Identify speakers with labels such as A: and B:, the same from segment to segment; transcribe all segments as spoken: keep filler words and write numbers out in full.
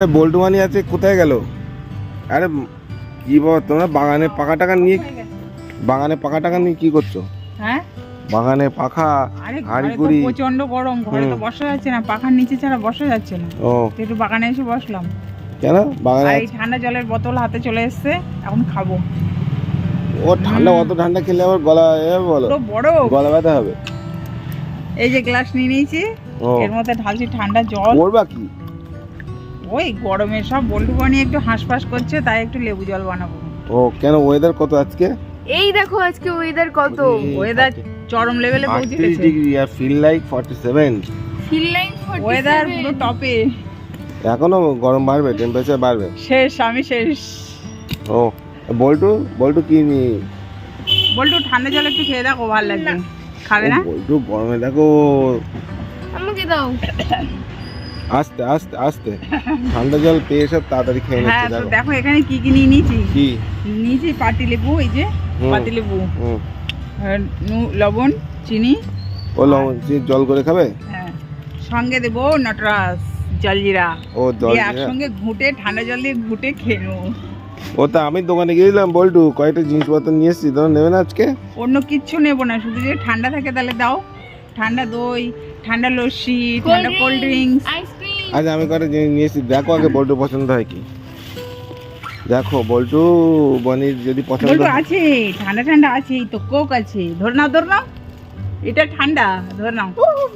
A: বল্টু মানি আছে, কোথায় গেল? আরে কি বাবা, তোমরা বাগানে পাকা টাকা নিয়ে বাগানে পাকা টাকা নিয়ে কি করছো?
B: হ্যাঁ,
A: বাগানে পাখা
B: আরে
A: হাঁড়ি
B: ঘরে তো
A: কুড়ি।
B: প্রচন্ড গরম, ঘরে তো
A: হুম।
B: বসা যাচ্ছে না, পাখার নিচে ছাড়া বসা যাচ্ছে না।
A: ও
B: তো একটু বাগানে এসে বসলাম।
A: কেন বাগানে
B: আর এই
A: আছে?
B: ঠান্ডা জলের বোতল হাতে চলে এসেছে, এখন খাবো।
A: ও ঠান্ডা, অত ঠান্ডা খেলে আবার গলা এ বলো,
B: পুরো বড়।
A: গলা ব্যথা হবে।
B: এই যে গ্লাস নিয়ে নিয়েছি,
A: ও
B: এর মধ্যে ঢালছি ঠান্ডা জল।
A: করবা কি?
B: ওই গরমে সব বল্টু বানি একটু হাঁসফাঁস করছে, তাই একটু লেবু জল বানাবো।
A: ও কেন, ওয়েদার কত আজকে?
C: এই দেখো আজকে ওয়েদার কত,
B: ওয়েদার চরম লেভেলে পৌঁছে
A: আটত্রিশ
B: গেছে।
A: ডিগ্রি আর feel like forty seven.
C: Feel like
B: weather পুরো টপে।
A: এখনো গরম বাড়বে, টেম্পারেচার বাড়বে।
B: শেষ, আমি শেষ।
A: ও বল্টু, বল্টু কি নি?
B: বল্টু ঠান্ডা জল একটু খেয়ে দেখো, ভালো লাগবে। খাবে না?
A: ও, বল্টু গরমে দেখো।
C: আমাকে দাও।
A: আস্তে আস্তে আস্তে ঠান্ডা জল পেয়ে সব তাড়াতাড়ি খেয়ে
B: হ্যাঁ,
A: নিচ্ছে
B: তো
A: দেখো।
B: দেখো এখানে কি কি নিয়ে নিয়েছি।
A: কি?
B: নিয়েছি পাতি লেবু, এই যে
A: হুম।
B: পাতি লেবু,
A: হুম।
B: আর নু- লবণ, চিনি।
A: ও লবণ দিয়ে জল করে খাবে?
B: হ্যাঁ, সঙ্গে দেবো নটরাজ জলজিরা।
A: ও জল
B: দিয়ে
A: দিয়ে?
B: একসঙ্গে ঘুটে, ঠান্ডা জল দিয়ে ঘুটে খেয়ে নেবো।
A: ও তা আমি দোকানে গিয়েছিলাম বল্টু, কয়েকটা জিনিসপত্র নিয়ে এসেছি, তোমরা নেবে না আজকে?
B: অন্য কিচ্ছু নেবো না, শুধু যদি ঠান্ডা থাকে তাহলে দাও। ঠান্ডা দই, ঠান্ডা লস্যি, ঠান্ডা কোল্ড ড্রিঙ্কস।
C: আইসক্রিম।
A: আজ আমি কয়েকটা জিনিস নিয়ে এসেছি, দেখো আগে বল্টু পছন্দ হয় কি। দেখো বল্টু বনির যদি পছন্দ
B: বল্টু
A: হয়।
B: আছে, ঠান্ডা ঠান্ডা আছে, এই তো কোক আছে, ধর নাও ধর নাও, এটা ঠান্ডা, ধর নাও।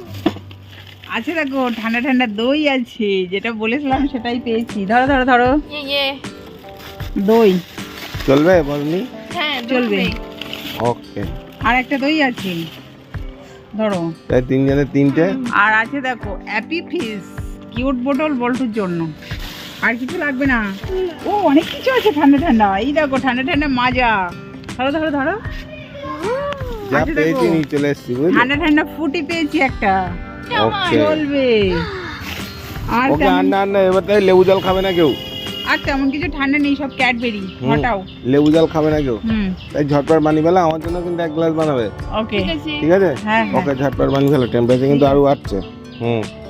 B: আছে দেখো ঠান্ডা ঠান্ডা দই আছে, যেটা বলেছিলাম সেটাই পেয়েছি। ধরো ধরো ধরো,
C: ইয়ে ইয়ে।
B: দই
A: চলবে বলনি?
C: হ্যাঁ
B: চলবে।
A: ওকে,
B: আর একটা দই আছে, ধরো।
A: তাই তিনজনের তিনটে।
B: আর আছে দেখো অ্যাপি ফিস, কিউট বোতল বল্টুর জন্য। আর কিছু লাগবে না। ও অনেক কিছু আছে ঠান্ডা ঠান্ডা, এই দেখো ঠান্ডা ঠান্ডা মাজা। ধরো ধরো ধরো,
A: যা
B: আচ্ছা,
A: পেয়েছি
B: দেখো।
A: নিয়ে চলে এসেছি, বুঝলি?
B: ঠান্ডা ঠান্ডা ফুটি পেয়েছি একটা,
A: ওকে
B: চলবে। আর
A: ওকে,
B: তেমন-
A: আর না আর না, এবার তাই লেবু জল খাবে না কেউ?
B: আর তেমন কিছু ঠান্ডা নেই, সব ক্যাডবেরি।
A: হুম।
B: হটাও।
A: লেবু জল খাবে না কেউ?
B: হুম,
A: তাই ঝটপট বানিয়ে ফেলা, আমার জন্য কিন্তু এক গ্লাস বানাবে,
B: ওকে।
C: ঠিক আছে।
A: ঠিক আছে?
B: হ্যাঁ হ্যাঁ।
A: ওকে ঝটপট বানিয়ে ফেলো, টেম্পারেচার কিন্তু আরো বাড়ছে। হুম।